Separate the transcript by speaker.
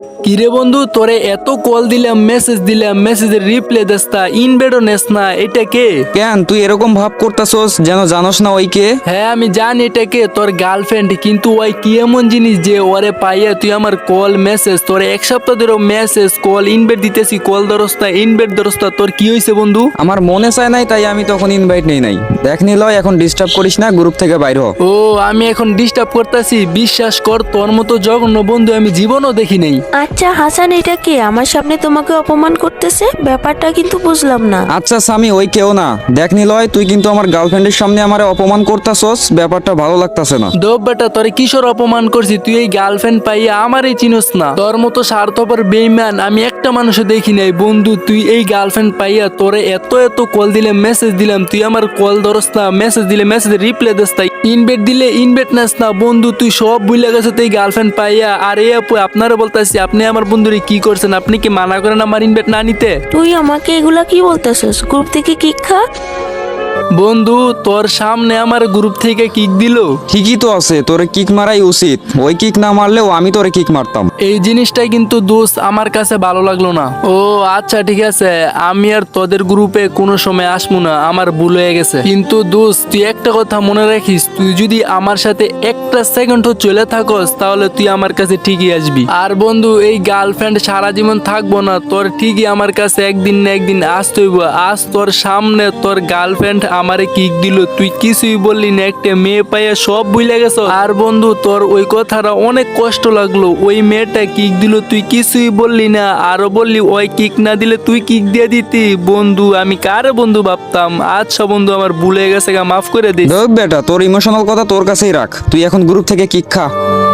Speaker 1: কিরে বন্ধু, তোরে এত কল দিলাম, মেসেজ মেসেজের রিপ্লাই দেস না, ইনবেডও নেস না, এটা কে?
Speaker 2: কেন তুই এরকম ভাব করতাছস যেন জানোস না ওই কে?
Speaker 1: হ্যাঁ আমি জানি এটা কে, তোর গার্লফ্রেন্ড। কিন্তু ওই কি এমন জিনিস যে ওরে পাইয়া তুই আমার কল মেসেজ, তোর এক সপ্তাহ ধরে মেসেজ কল ইনবেড দিতেছি, কল ধরস না, ইনবেড ধরস না, তোর কি হয়েছে বন্ধু?
Speaker 2: আমার মনে চায় নাই তাই আমি তখন ইনভাইট নেই নাই। দেখ নিলয়, এখন ডিস্টার্ব করিস না, গ্রুপ থেকে বাইর হ।
Speaker 1: ও আমি এখন ডিস্টার্ব করতেছি? বিশ্বাস কর, তোর মতো জঘন্য বন্ধু আমি জীবনও দেখি নাই।
Speaker 3: আচ্ছা হাসান, এটা কে আমার সামনে তোমাকে অপমান করতেছে? ব্যাপারটা কিন্তু বুঝলাম না।
Speaker 2: আচ্ছা সামি, ওই কেউ না। দেখ নিলয়, তুই কিন্তু আমার গার্লফ্রেন্ডের সামনে আমারে অপমান করতাছস, ব্যাপারটা ভালো লাগতাছে না।
Speaker 1: দোব বেটা, তোরে কিশোর অপমান করছি? তুই এই গার্লফ্রেন্ড পাইয়া আমারই চিনস না? তোর মতো স্বার্থপর বেইমান আমি একটা মানুষও দেখি নাই বন্ধু। তুই এই গার্লফ্রেন্ড পাইয়া তোরে এত এত কল দিলে, মেসেজ দিলাম, তুই আমার কল ধরস না, মেসেজ দিলে মেসেজ রিপ্লাই দিস না, ইনভেট দিলে ইনভেট নাস না বন্ধু। তুই সব ভুলে গেছো তুই গার্লফ্রেন্ড পাইয়া। আর এই আপু, আপনারা বলতেছি আপনি আমার বন্ধুরে কি করছেন? আপনি কি মানা করেন আমার ইনভেট না নিতে?
Speaker 3: তুই আমাকে এগুলা কি বলতেছিস? গ্রুপ থেকে কিক খা।
Speaker 1: বন্ধু, তোর সামনে আমার গ্রুপ থেকে কিক দিল।
Speaker 2: ঠিকই তো আছে, তোরে কিক মারাই উচিত। ওই কিক না মারলেও আমি তোরে কিক মারতাম।
Speaker 1: এই জিনিসটাই কিন্তু দোস্ত আমার কাছে ভালো লাগলো না। ও আচ্ছা ঠিক আছে, আমি আর তোদের গ্রুপে কোনো সময় আসবো না, আমার ভুল হয়ে গেছে। কিন্তু দোস্ত তুই একটা কথা মনে রাখিস, তুই যদি আমার সাথে একটা সেকেন্ডও চলে থাকস তাহলে তুই আমার কাছে ঠিকই আসবি। আর বন্ধু, এই গার্লফ্রেন্ড সারা জীবন থাকবো না, তোর ঠিকই আমার কাছে একদিন না একদিন আসতে হইব। আজ তোর সামনে তোর গার্লফ্রেন্ড আমারে কিক দিল, তুই কিছুই বললি না, একটা মেয়ে পাইয়া সব ভুলে গেছ। আর বন্ধু, তোর ওই কথাটা অনেক কষ্ট লাগলো। ওই মেয়েটা কিক দিল, তুই কিছুই বললি না, আরো বললি ওই কিক না দিলে তুই কিক দিয়ে দিতি। বন্ধু, আমি কারে বন্ধু ভাবতাম। আচ্ছা বন্ধু, আমার ভুলে গেছে, মাফ করে দিস।
Speaker 2: দেখ বেটা, তোর ইমোশনাল কথা তোর কাছেই রাখ, তুই এখন গ্রুপ থেকে কিক খা।